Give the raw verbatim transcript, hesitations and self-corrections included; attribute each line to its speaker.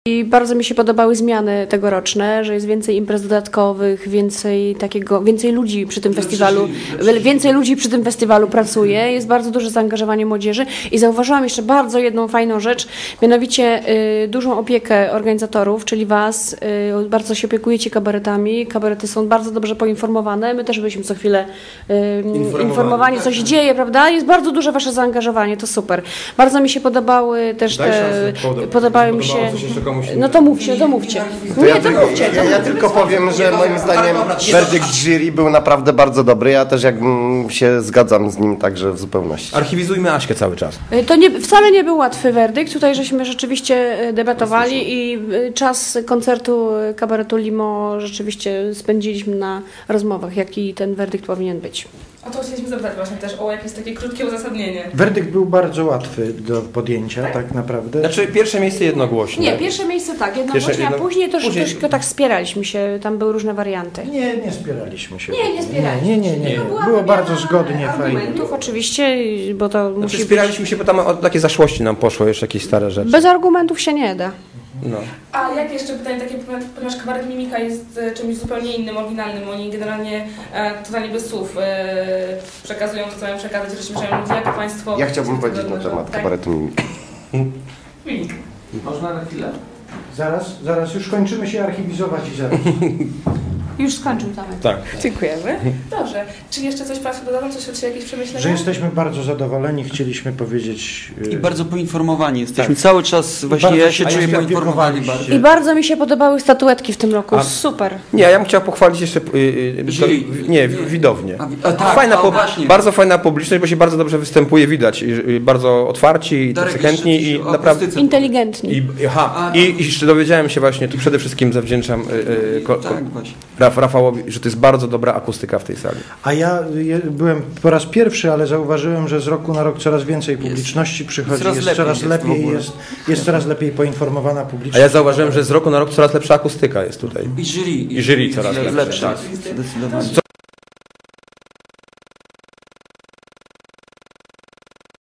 Speaker 1: I bardzo mi się podobały zmiany tegoroczne, że jest więcej imprez dodatkowych, więcej takiego, więcej ludzi przy tym festiwalu, więcej ludzi przy tym festiwalu pracuje, jest bardzo duże zaangażowanie młodzieży i zauważyłam jeszcze bardzo jedną fajną rzecz, mianowicie y, dużą opiekę organizatorów, czyli was, y, bardzo się opiekujecie kabaretami, kabarety są bardzo dobrze poinformowane, my też byliśmy co chwilę y, informowani, informowani co się dzieje, prawda? Jest bardzo duże wasze zaangażowanie, to super. Bardzo mi się podobały też
Speaker 2: Daj
Speaker 1: te,
Speaker 2: szansę,
Speaker 1: podobały mi się... No to mówcie, to mówcie.
Speaker 3: To
Speaker 1: Nie,
Speaker 3: ja
Speaker 1: to
Speaker 3: tylko,
Speaker 1: mówcie. To
Speaker 3: ja, ja
Speaker 1: mówcie.
Speaker 3: tylko powiem, że moim zdaniem werdykt jury był naprawdę bardzo dobry. Ja też jakbym się zgadzam z nim także w zupełności.
Speaker 2: Archiwizujmy Aśkę cały czas.
Speaker 1: To nie, wcale nie był łatwy werdykt. Tutaj żeśmy rzeczywiście debatowali i czas koncertu kabaretu Limo rzeczywiście spędziliśmy na rozmowach, jaki ten werdykt powinien być.
Speaker 4: O to chcieliśmy zapytać właśnie też o jakieś takie krótkie uzasadnienie.
Speaker 5: Werdykt był bardzo łatwy do podjęcia, tak, tak naprawdę.
Speaker 2: Znaczy pierwsze miejsce jednogłośnie.
Speaker 1: Nie, pierwsze miejsce tak, jednogłośnie,
Speaker 2: Pierwsze, jedno...
Speaker 1: a później też
Speaker 2: później...
Speaker 1: troszkę tak spieraliśmy się, tam były różne warianty.
Speaker 5: Nie, nie spieraliśmy się.
Speaker 1: Nie, nie spieraliśmy
Speaker 5: Nie, nie, nie. nie.
Speaker 1: się. No,
Speaker 5: Było bardzo zgodnie, fajnie.
Speaker 1: Argumentów oczywiście, bo to
Speaker 2: Znaczy,
Speaker 1: musi
Speaker 2: spieraliśmy
Speaker 1: być...
Speaker 2: się, bo tam o takie zaszłości nam poszło, jeszcze jakieś stare rzeczy.
Speaker 1: Bez argumentów się nie da.
Speaker 2: No.
Speaker 4: A jak jeszcze pytanie takie, ponieważ kabaret Mimika jest czymś zupełnie innym, oryginalnym, oni generalnie e, totalnie bez słów e, przekazują to, co mają przekazać, rozśmieszają ludzi, jak państwo...
Speaker 3: Ja chciałbym powiedzieć na temat
Speaker 4: tak?
Speaker 3: kabaretu Mimika.
Speaker 4: Mimik.
Speaker 6: Można na chwilę?
Speaker 5: Zaraz, zaraz, już kończymy się archiwizować i zaraz.
Speaker 1: Już skończył Tomek.
Speaker 2: Tak.
Speaker 4: Dziękujemy. Dobrze. Czy jeszcze coś Państwo dodadzą? Coś od siebie, jakieś przemyślenia?
Speaker 5: Że jesteśmy bardzo zadowoleni, chcieliśmy powiedzieć...
Speaker 6: I bardzo poinformowani jesteśmy. Tak. Cały czas właśnie
Speaker 5: Bardzo
Speaker 6: ja się
Speaker 5: się
Speaker 6: czuję
Speaker 5: opiekowaliście.
Speaker 6: poinformowany bardziej.
Speaker 1: I bardzo mi się podobały statuetki w tym roku,
Speaker 2: A-
Speaker 1: super.
Speaker 2: Nie, ja bym chciał pochwalić jeszcze... Yy, yy, to, nie, widownię.
Speaker 6: A, a, tak,
Speaker 2: fajna
Speaker 6: a,
Speaker 2: po,
Speaker 6: właśnie.
Speaker 2: bardzo fajna publiczność, bo się bardzo dobrze występuje, widać. I, i bardzo otwarci i
Speaker 6: Darek,
Speaker 2: tacy chętni
Speaker 6: jeszcze
Speaker 2: i
Speaker 6: coś o
Speaker 2: naprawdę...
Speaker 6: akustyce.
Speaker 1: Inteligentni.
Speaker 2: I, aha,
Speaker 6: A,
Speaker 2: i, i jeszcze dowiedziałem się właśnie, tu przede wszystkim zawdzięczam yy, yy, ko, ko,
Speaker 6: Tak, właśnie.
Speaker 2: Raf, Rafałowi, że to jest bardzo dobra akustyka w tej sali.
Speaker 5: A ja je, byłem po raz pierwszy, ale zauważyłem, że z roku na rok coraz więcej publiczności przychodzi,
Speaker 6: coraz
Speaker 5: jest
Speaker 6: lepiej
Speaker 5: coraz
Speaker 6: jest w
Speaker 5: lepiej,
Speaker 6: ogóle.
Speaker 5: jest, jest coraz lepiej poinformowana
Speaker 2: A
Speaker 5: publiczność.
Speaker 2: ja zauważyłem, że z roku na rok coraz lepsza akustyka jest tutaj.
Speaker 6: I jury.
Speaker 2: I jury coraz lepsze,
Speaker 6: lepsze.
Speaker 2: tak.
Speaker 6: Zdecydowanie.